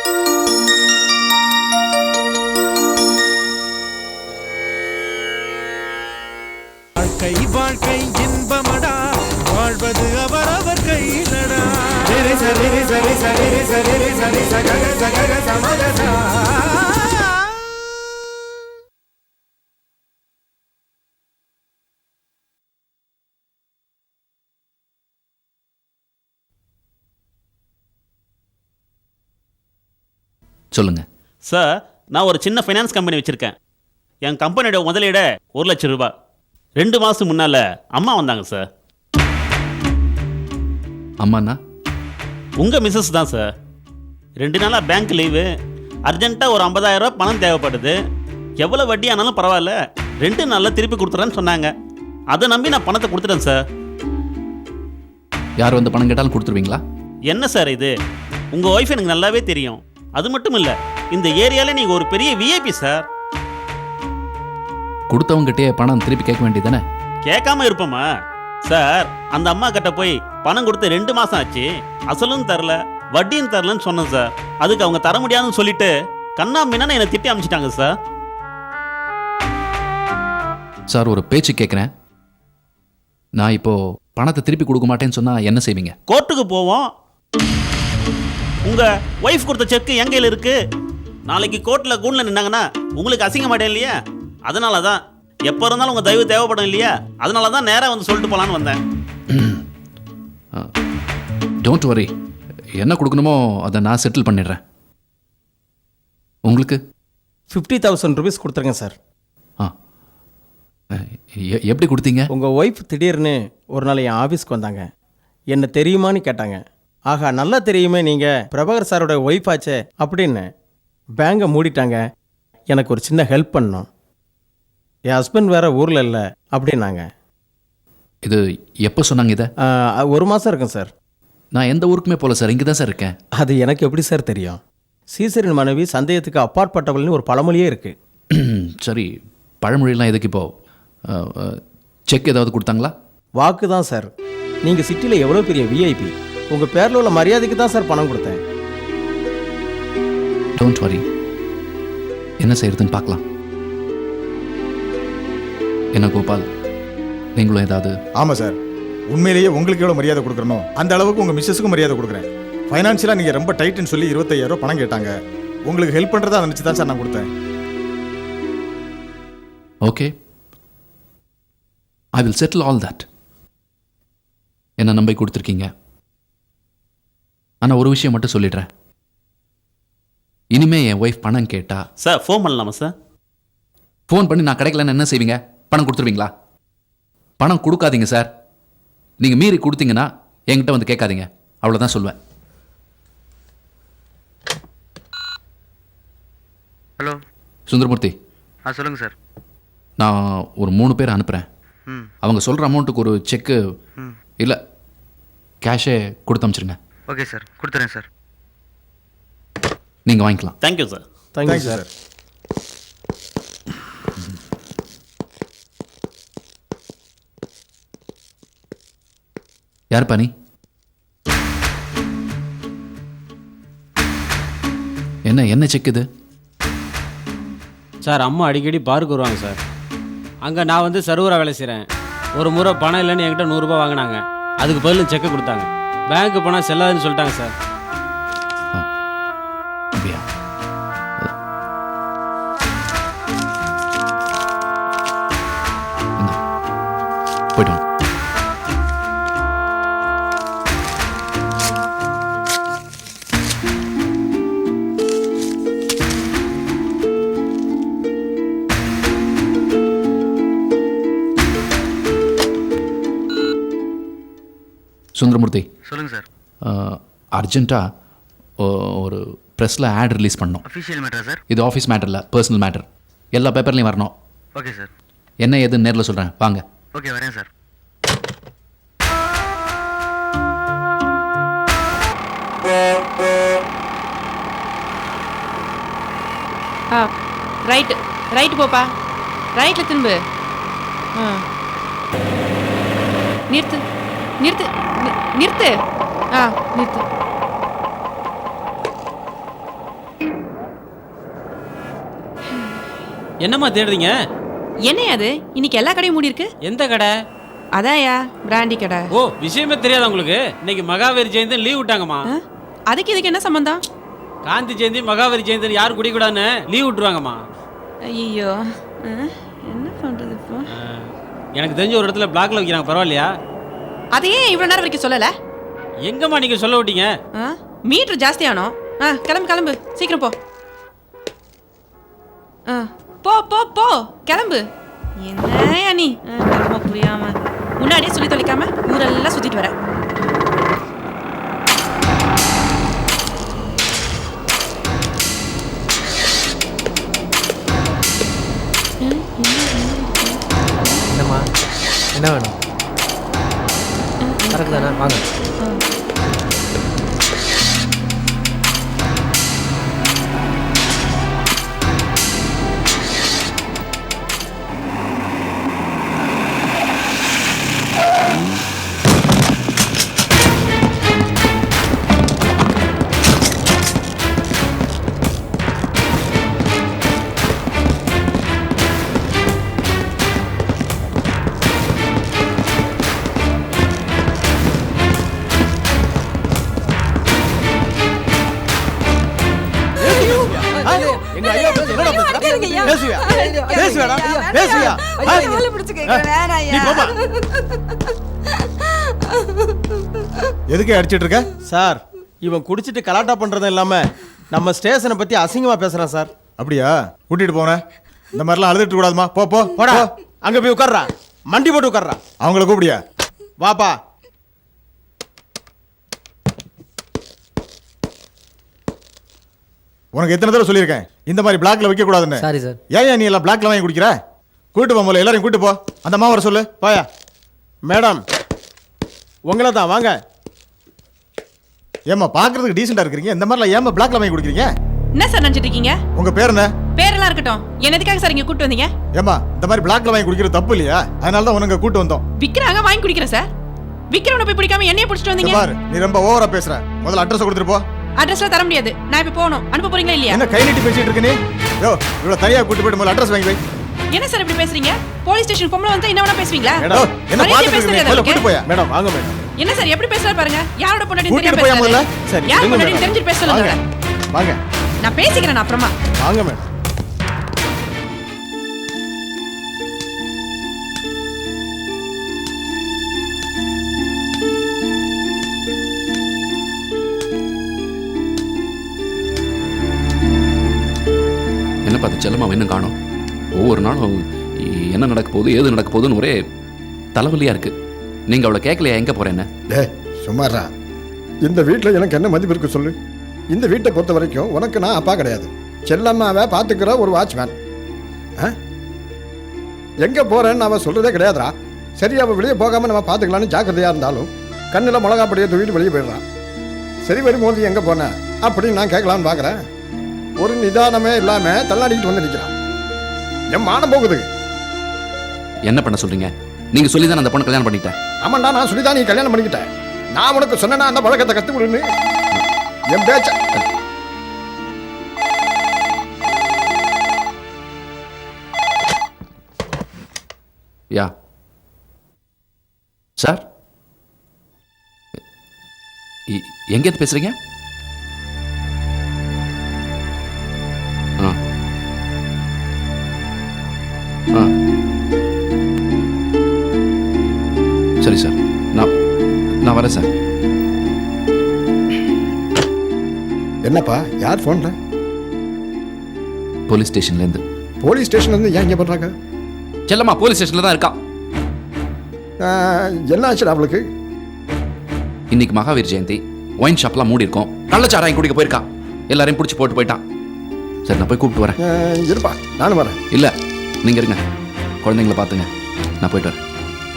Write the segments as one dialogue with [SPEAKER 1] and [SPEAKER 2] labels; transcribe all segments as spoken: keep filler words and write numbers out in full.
[SPEAKER 1] வாழ்க்கை வாழ்க்கை இன்பமடா, வாழ்வது அவரவர் கையிலடா. சரி சரி சரி சரி சரி சரி சகக சகக சமகசா.
[SPEAKER 2] சொல்லுங்க
[SPEAKER 3] சார். நான் ஒரு சின்ன ஃபைனான்ஸ் கம்பெனி வச்சுருக்கேன். என் கம்பெனியோட முதலீட ஒரு லட்சம் ரூபாய். ரெண்டு மாதம் முன்னால் அம்மா வந்தாங்க சார்.
[SPEAKER 2] அம்மாண்ணா?
[SPEAKER 3] உங்கள் மிஸ்ஸஸ் தான் சார். ரெண்டு நாளாக பேங்க் லீவு. அர்ஜென்ட்டாக ஒரு ஐம்பதாயிரம் ரூபா பணம் தேவைப்படுது. எவ்வளோ வட்டி ஆனாலும் பரவாயில்ல, ரெண்டு நாளில் திருப்பி கொடுத்துறேன்னு சொன்னாங்க. அதை நம்பி நான் பணத்தை கொடுத்துட்டேன் சார்.
[SPEAKER 2] யார் வந்து பணம் கேட்டாலும் கொடுத்துருவீங்களா?
[SPEAKER 3] என்ன சார் இது? உங்கள் ஒய்ஃப் எனக்கு நல்லாவே தெரியும். அது மட்டும் இல்லை, இந்த ஏரியாவில் நீங்கள் ஒரு பெரிய விஐபி சார்.
[SPEAKER 2] கொடுத்தவங்ககிட்டே பணம் திருப்பி கேட்க வேண்டியதானே?
[SPEAKER 3] கேட்காம இருப்போமா சார்? அந்த அம்மா கிட்ட போய் பணம் கொடுத்து ரெண்டு மாசம் ஆச்சு, அசலும் தரல வட்டியும் தரலன்னு சொன்னேன் சார். அதுக்கு அவங்க தர முடியாதுன்னு சொல்லிட்டு கண்ணா மீனா என்னை திட்டி அமைச்சிட்டாங்க சார்.
[SPEAKER 2] சார், ஒரு பேச்சு கேட்குறேன். நான் இப்போ பணத்தை திருப்பி கொடுக்க மாட்டேன்னு சொன்னா என்ன செய்வீங்க?
[SPEAKER 3] கோர்ட்டுக்கு போவோம். உங்க ஒய்ஃப் கொடுத்த செக் என் கையில் இருக்கு. நாளைக்கு கோர்ட்டில் கூண்டில் நின்னாங்கன்னா உங்களுக்கு அசிங்க மாட்டேன் இல்லையா? அதனால தான் எப்போ இருந்தாலும் உங்கள் தயவு தேவைப்படும் இல்லையா? அதனால தான் நேராக வந்து சொல்லிட்டு போகலான்னு வந்தேன்.
[SPEAKER 2] டோன்ட் வரி, என்ன கொடுக்கணுமோ அதை நான் செட்டில் பண்ணிடுறேன். உங்களுக்கு
[SPEAKER 4] ஃபிஃப்டி தௌசண்ட் ருபீஸ் கொடுத்துருங்க சார்.
[SPEAKER 2] ஆ, எப்படி கொடுத்தீங்க?
[SPEAKER 4] உங்கள் ஒய்ஃப் திடீர்னு ஒரு நாள் என் ஆஃபீஸ்க்கு வந்தாங்க. என்ன தெரியுமான்னு கேட்டாங்க. ஆகா, நல்லா தெரியுமே, நீங்கள் பிரபாகர் சாரோட ஒய்ஃப் ஆச்சே அப்படின்னு. பேங்கை மூடிட்டாங்க. எனக்கு ஒரு சின்ன ஹெல்ப் பண்ணணும். என் ஹஸ்பண்ட் வேறு ஊரில் இல்லை அப்படின்னாங்க.
[SPEAKER 2] இது எப்போ சொன்னாங்க? இதை
[SPEAKER 4] ஒரு மாதம் இருக்கும் சார்.
[SPEAKER 2] நான் எந்த ஊருக்குமே போகல சார், இங்கே தான் சார் இருக்கேன்.
[SPEAKER 4] அது எனக்கு எப்படி சார் தெரியும்? சீசரின் மனைவி சந்தேகத்துக்கு அப்பாற்பட்டவள்னு ஒரு பழமொழியே இருக்குது.
[SPEAKER 2] சரி, பழமொழியெல்லாம் எதுக்கு இப்போ? செக் ஏதாவது கொடுத்தாங்களா?
[SPEAKER 4] வாக்கு தான் சார். நீங்கள் சிட்டியில் எவ்வளோ பெரிய விஐபி, உங்கள் பேரில் உள்ள மரியாதைக்கு தான் சார் பணம் கொடுத்தேன்.
[SPEAKER 2] டோன்ட் வரி, என்ன செய்யறதுன்னு பார்க்கலாம். என்ன கோபால், நீங்களும் ஏதாவது?
[SPEAKER 5] ஆமாம் சார், உண்மையிலேயே உங்களுக்கு எவ்வளோ மரியாதை கொடுக்குறனோ அந்த அளவுக்கு உங்கள் மிஸ்ஸஸுக்கும் மரியாதை கொடுக்குறேன். ஃபைனான்ஷியலாக நீங்கள் ரொம்ப டைட்டுன்னு சொல்லி இருபத்தையாயிரம் பணம் கேட்டாங்க. உங்களுக்கு ஹெல்ப் பண்ணுறதா நினச்சி தான் சார் நான் கொடுத்தேன்.
[SPEAKER 2] Okay, I will settle all that. என்ன நம்பி கொடுத்துருக்கீங்க. ஆனால் ஒரு விஷயம் மட்டும் சொல்லிடுறேன். இனிமே என் ஒய்ஃப் பணம் கேட்டா
[SPEAKER 3] சார் ஃபோன் பண்ணலாமா சார்?
[SPEAKER 2] ஃபோன் பண்ணி நான் கிடைக்கலன்னு என்ன செய்வீங்க? பணம் கொடுத்துருவீங்களா? பணம் கொடுக்காதீங்க சார். நீங்கள் மீறி கொடுத்தீங்கன்னா என்கிட்ட வந்து கேட்காதீங்க, அவ்வளோதான் சொல்லுவேன்.
[SPEAKER 6] ஹலோ
[SPEAKER 2] சுந்தரமூர்த்தி.
[SPEAKER 6] ஆ சொல்லுங்கள் சார்.
[SPEAKER 2] நான் ஒரு மூணு பேர் அனுப்புகிறேன்.
[SPEAKER 6] ம்
[SPEAKER 2] அவங்க சொல்கிற அமௌண்ட்டுக்கு ஒரு செக்கு
[SPEAKER 6] ம்
[SPEAKER 2] இல்லை கேஷே கொடுத்து அனுப்பிச்சிருங்க.
[SPEAKER 6] ஓகே சார், கொடுத்துறேன் சார்.
[SPEAKER 2] நீங்கள் வாங்கிக்கலாம்.
[SPEAKER 3] Thank you sir.
[SPEAKER 4] Thank you sir.
[SPEAKER 2] யாருப்பா நீ? என்ன என்ன செக் இது?
[SPEAKER 7] சார், அம்மா அடிக்கடி பாருக்கு வருவாங்க சார். அங்கே நான் வந்து சர்வராக வேலை செய்கிறேன். ஒரு முறை பணம் இல்லைன்னு என்கிட்ட நூறுரூபா வாங்கினாங்க. அதுக்கு பதில் செக்கை கொடுத்தாங்க. பேங்க்கு போனால் செல்லாதுன்னு சொல்லிட்டாங்க சார்.
[SPEAKER 2] அப்படியா? போயிட்டு வாங்க. சுந்தரமூர்த்தி.
[SPEAKER 6] சொல்லுங்கள் சார்.
[SPEAKER 2] அர்ஜென்ட்டாக ஒரு ப்ரெஸ்ஸில் ஆட் ரிலீஸ் பண்ணோம்.
[SPEAKER 6] அஃபிஷியல் மேட்டரா சார்?
[SPEAKER 2] இது ஆஃபீஸ் மேட்டர் இல்லை, பர்சனல் மேட்டர். எல்லா பேப்பர்லையும் வரணும்.
[SPEAKER 6] Okay sir.
[SPEAKER 2] என்ன ஏதுன்னு நேரில் சொல்கிறேன், வாங்க.
[SPEAKER 6] ஓகே, வரேன் சார்.
[SPEAKER 8] ஆ ரைட்டு ரைட்டு போப்பா, ரைட்டில் திரும்பு. ஆ நிறுத்து நிறுத்து நிறுத்து. ஆ நிறுத்து.
[SPEAKER 7] என்னம்மா தேடுறீங்க?
[SPEAKER 8] என்னையா அது இன்னைக்கு எல்லா கடையும் மூடி இருக்கு?
[SPEAKER 7] எந்த கடை?
[SPEAKER 8] அதாயா பிராண்டி கடை.
[SPEAKER 7] ஓ, விஷயமே தெரியாதா உங்களுக்கு? இன்னைக்கு மகாவீர் ஜெயந்தி லீவ் விட்டாங்கம்மா.
[SPEAKER 8] ஆ? அதுக்கு இதுக்கு என்ன சம்பந்தம்?
[SPEAKER 7] காந்தி ஜெயந்தி மகாவீர் ஜெயந்தி யாரும் குடிக்கூடாதுன்னு லீவ் விட்டுருவாங்கம்மா.
[SPEAKER 8] ஐயோ, என்ன பண்றது இப்போ?
[SPEAKER 7] எனக்கு தெரிஞ்ச ஒரு இடத்துல பிளாக்ல வைக்கிறாங்க, பரவாயில்லையா?
[SPEAKER 8] அதையே இவ்வளவு நேரம் வரைக்கும் சொல்லல?
[SPEAKER 7] எங்கம்மா நீங்க சொல்ல விட்டீங்க?
[SPEAKER 8] மீட்டர் ஜாஸ்தியானோ? ஆ, கிளம்பு கிளம்பு, சீக்கிரம் போ. ஆ, போ போ போ, கிளம்பு. என்னையா நீ ரொம்ப புரியாம முன்னாடியே சொல்லி தொலைக்காம ஊரெல்லாம் சுத்திட்டு வர.
[SPEAKER 9] என்னம்மா, என்ன வேணும்? கரெக்ட் தானே, வாங்க.
[SPEAKER 4] எங்க ஐயா பேச என்னடா பேசுற? பேசுவியா? பேசுவியாடா? பேசுவியா? நீ போமா.
[SPEAKER 5] எதுக்கு அடிச்சிட்டு இருக்க?
[SPEAKER 4] சார், இவன் குடிச்சிட்டு கலாட்டா பண்றதும் இல்லாம நம்ம ஸ்டேஷனை பத்தி அசிங்கமா பேசுறான் சார்.
[SPEAKER 5] அப்படியா? கூட்டிட்டு போனேன். இந்த மாதிரிலாம் அழுதுட்டு கூடாதுமா. போ போ
[SPEAKER 4] போடா, அங்க போய் உட்கார்றா, மண்டி போட்டு உட்கார்றா.
[SPEAKER 5] அவங்கள கூப்பிடியா?
[SPEAKER 4] வாப்பா.
[SPEAKER 5] உனக்கு எத்தனை தடவை சொல்லியிருக்கேன் இந்த மாதிரி பிளாக்ல வைக்க கூடாதுன்னு.
[SPEAKER 9] Sorry sir.
[SPEAKER 5] ஏன் நீ எல்லாம் பிளாக்ல வாங்கி குடிக்கிற? கூட்டு போ, முதல்ல எல்லாரையும் கூட்டு போ. அந்த அம்மா வர சொல்லு.
[SPEAKER 4] போயா. மேடம், உங்களை தான், வாங்க.
[SPEAKER 5] ஏமா பாக்குறதுக்கு டீசெண்டா இருக்கீங்க, இந்த மாதிரிலாம் ஏமா பிளாக்ல வாங்கி குடிக்கிறீங்க?
[SPEAKER 8] என்ன சார் நினைச்சிட்டு இருக்கீங்க?
[SPEAKER 5] உங்க பேர் என்ன?
[SPEAKER 8] பேரெல்லாம் இருக்கட்டும், என்ன எதுக்காக சார் இங்க கூட்டு வந்தீங்க?
[SPEAKER 5] ஏமா இந்த மாதிரி பிளாக்ல வாங்கி குடிக்கிறது தப்பு இல்லையா? அதனால தான் உனக்கு கூட்டு வந்தோம்.
[SPEAKER 8] விக்கிறாங்க, வாங்கி குடிக்கிறேன் சார். விக்ரவனை போய் பிடிக்காம என்னைய பிடிச்சிட்டு வந்தீங்க.
[SPEAKER 5] பாரு, நீ ரொம்ப ஓவரா பேசுற. முதல்ல அட்ரஸ் கொடுத்துட்டு போ.
[SPEAKER 8] அட்ரஸ்ல தர முடியாது, நான் இப்ப போகணும். அனுப்ப போறீங்களா இல்லையா?
[SPEAKER 5] என்ன கை நீட்டி பேசிட்டு இருக்க நீ? யோ, இவ்வளவு தனியா கூட்டி போய்ட்டு முதல்ல அட்ரஸ் வாங்கி வை.
[SPEAKER 8] என்ன சார் இப்படி பேசுறீங்க? போலீஸ் ஸ்டேஷன் பொம்பளை வந்து என்ன வேணா பேசுவீங்களா?
[SPEAKER 5] மேடம், என்ன
[SPEAKER 4] மரியாதை
[SPEAKER 5] பாத்துட்டு
[SPEAKER 4] பேசுறது
[SPEAKER 5] இருக்கீங்க? முதல்ல கூட்டி போயா.
[SPEAKER 4] மேடம், வாங்க மேடம்.
[SPEAKER 8] என்ன சார் எப்படி பேசுறாரு பாருங்க. யாரோட பொண்டாட்டி
[SPEAKER 5] கூட்டிட்டு
[SPEAKER 8] தெரியாம
[SPEAKER 5] போயா முதல்ல.
[SPEAKER 8] பேசுறாரு?
[SPEAKER 4] சரி,
[SPEAKER 8] யார்
[SPEAKER 4] இருங்க
[SPEAKER 8] பொண்டாட்டி
[SPEAKER 4] மேடம்.
[SPEAKER 8] தெரிஞ்சு பேச சொல்லுங்க.
[SPEAKER 4] வாங்க. வாங்க.
[SPEAKER 8] நான் பேசிக்கிறேன் நான் அப்புறமா.
[SPEAKER 4] வாங்க மேடம்.
[SPEAKER 2] என்ன பார்த்து செல்லம்மா இன்னும் காணோம். ஒவ்வொரு நாளும் என்ன நடக்க போகுது, ஏது நடக்க போகுதுன்னு ஒரே தலைவலியா இருக்கு. நீங்க அவளை கேட்கலையா எங்க போறேன்னு?
[SPEAKER 10] டே சும்மாரா, இந்த வீட்டில் எனக்கு என்ன மதிப்பு இருக்கு சொல்லு? இந்த வீட்டை பொறுத்த வரைக்கும் உனக்கு நான் அப்பா கிடையாது, செல்லம்மாவை பார்த்துக்கிற ஒரு வாட்ச்மேன். எங்கே போகிறேன்னு அவன் சொல்கிறதே கிடையாதுரா. சரி, அவள் வெளியே போகாமல் நம்ம பார்த்துக்கலான்னு ஜாக்கிரதையாக இருந்தாலும் கண்ணில் மிளகா படியை தூக்கிட்டு வெளியே போயிடுறான். சரி, வரும்போது எங்கே போனேன் அப்படின்னு நான் கேட்கலான்னு பார்க்குறேன். ஒரு நிதானமே இல்லாமல் தள்ளாடிக்கிட்டு வந்து நிற்கிறான். என் மானம் போகுது.
[SPEAKER 2] என்ன பண்ண சொல்றீங்க? நீங்க சொல்லி தான் அந்த பொண்ணை கல்யாணம் பண்ணிட்டேன்.
[SPEAKER 10] ஆமாண்டா, நான் சொல்லி தான் நீ கல்யாணம் பண்ணிக்கிட்டேன். நான் உனக்கு சொன்னேன்னா அந்த பழக்கத்தை கற்றுக் கொடுன்னு என் பேச்ச.
[SPEAKER 2] யா சார், எங்கேருந்து பேசுறீங்க? ஆ ஆ சரி சார், நான் நான் வரேன் சார்.
[SPEAKER 10] என்னப்பா, யார் ஃபோன்ல?
[SPEAKER 2] போலீஸ் ஸ்டேஷன்லேருந்து.
[SPEAKER 10] போலீஸ் ஸ்டேஷன்லேருந்து ஏன் இங்கே பண்ணுறாங்க?
[SPEAKER 2] செல்லம்மா போலீஸ் ஸ்டேஷனில் தான் இருக்கா.
[SPEAKER 10] என்ன ஆச்சு அவளுக்கு?
[SPEAKER 2] இன்னைக்கு மகாவீர் ஜெயந்தி, ஒயின் ஷாப்லாம் மூடி இருக்கும். கள்ளச்சாராயம் குடிக்க போயிருக்கான். எல்லாரையும் பிடிச்சி போட்டு போயிட்டான். சரி, நான் போய் கூப்பிட்டு வரேன்.
[SPEAKER 10] இருப்பா, நானும் வரேன்.
[SPEAKER 2] இல்லை, நீங்கள் இருங்க, குழந்தைங்கள பார்த்துங்க, நான் போயிட்டு வரேன்.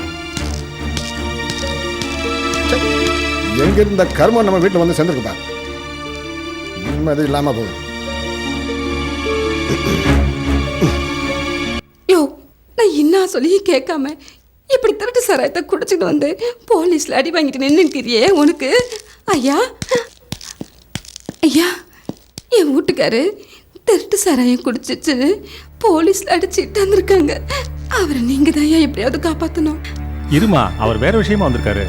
[SPEAKER 10] எங்க இருந்த கர்மம் நம்ம வீட்டில் வந்து சேர்ந்துருக்குப்பா. நிம்மதி இல்லாம போகுது.
[SPEAKER 11] யோ, நான் என்ன சொல்லி கேட்காம இப்படி திருட்டு சாராயத்தை குடிச்சிட்டு வந்து போலீஸ்ல அடி வாங்கிட்டு நின்றுக்கிறியே உனக்கு? ஐயா ஐயா, என் வீட்டுக்காரு திருட்டு சாராயம் குடிச்சிச்சு போலீஸ்ல அடிச்சுட்டு வந்திருக்காங்க. அவரை நீங்க தான் எப்படியாவது காப்பாத்தணும்.
[SPEAKER 12] இருமா, அவர் வேற விஷயமா வந்திருக்காரு.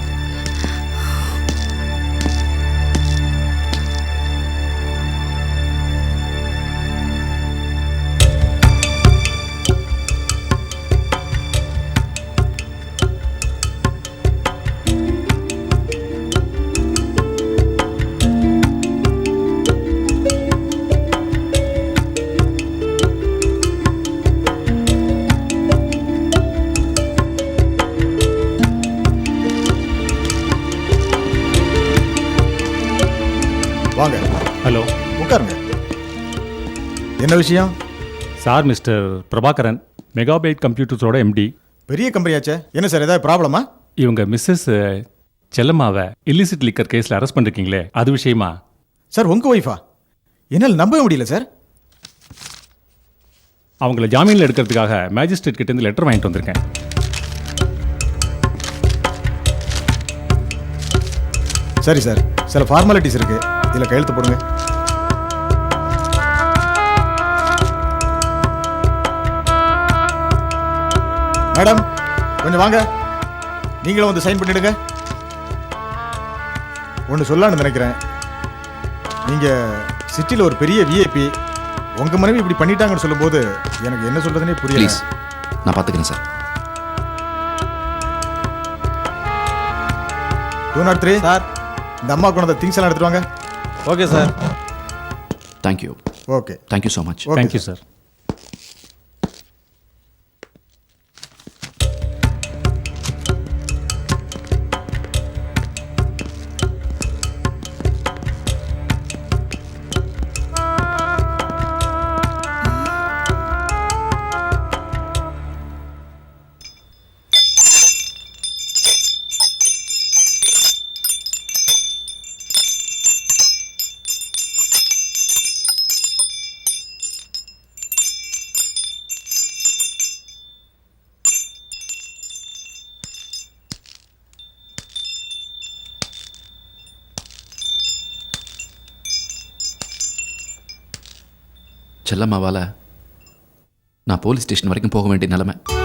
[SPEAKER 5] வாங்க.
[SPEAKER 12] ஹலோ,
[SPEAKER 5] உட்காருங்க. என்ன விஷயம்?
[SPEAKER 12] சார் மிஸ்டர் பிரபாகரன், மெகாபைட் கம்ப்யூட்டர்ஸோட எம்டி.
[SPEAKER 5] பெரிய கம்பெனியாச்சே, என்ன சார் ஏதாவது ப்ராப்ளமா?
[SPEAKER 12] இவங்க மிஸ்ஸஸ் செல்லம்மாவை இல்லிசிட் லிக்கர் கேஸில் அரெஸ்ட் பண்ணிருக்கீங்களே, அது விஷயமா?
[SPEAKER 5] சார் உங்க ஒய்ஃபா? என்னால் நம்பவே முடியல சார்.
[SPEAKER 12] அவங்கள ஜாமீனில் எடுக்கிறதுக்காக மேஜிஸ்ட்ரேட் கிட்டேருந்து லெட்டர் வாங்கிட்டு வந்திருக்கேன்.
[SPEAKER 5] சரி சார், சில ஃபார்மாலிட்டிஸ் இருக்கு, இதில் கையெழுத்து போடுங்க. மேடம் கொஞ்சம் வாங்க, நீங்களும் வந்து சைன் பண்ணிடுங்க. ஒன்று சொல்லலான்னு நினைக்கிறேன். நீங்கள் சிட்டியில் ஒரு பெரிய விஐபி, உங்கள் மனைவி இப்படி பண்ணிட்டாங்கன்னு சொல்லும்போது எனக்கு என்ன சொல்கிறதுனே புரியல.
[SPEAKER 2] ப்ளீஸ், நான் பார்த்துக்கிறேன் sir.
[SPEAKER 5] Do not three
[SPEAKER 4] sir.
[SPEAKER 5] இந்த அம்மா கொண்டு திங்ஸ் எல்லாம் எடுத்துட்டு வாங்க.
[SPEAKER 4] Okay sir.
[SPEAKER 2] Thank you.
[SPEAKER 5] Okay,
[SPEAKER 2] thank you so much.
[SPEAKER 5] Okay
[SPEAKER 12] thank you sir.
[SPEAKER 2] செல்லம்மாவால் நான் போலீஸ் ஸ்டேஷன் வரைக்கும் போக வேண்டிய நிலைமை.